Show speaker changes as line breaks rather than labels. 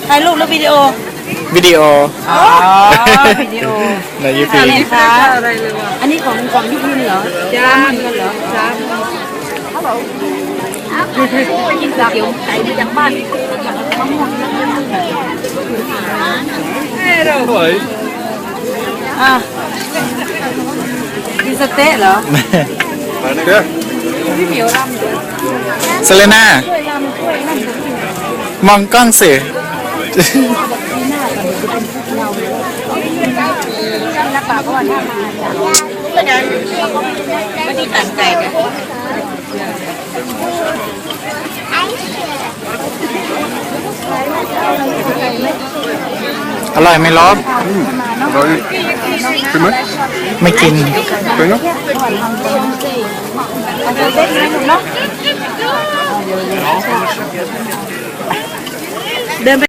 ถ่ายรูปหรือวิดีโอ
วิดีโอ
อ๋อวิดีโอ
ในยูทูบ
นี่ค่ะอันนี้ของยุพินเหรอจ้ามันเหรอจ้าเขาบอกไปกินก๋วยเตี๋ยวไก่มาจากบ้านมะม่วงกินสเต๊ะเหรอพี่เหมียวรำ
เซเลน่า มองกล้องสิ
นักป่าก็ว่าถ้ามาไม่ได้ตั้งใจนะ
อร่อยไหมลบ
อร่อยกินไหม
ไม่กิน
เป็นเนาะ
เอาไปเต้นไหมลูกเนาะ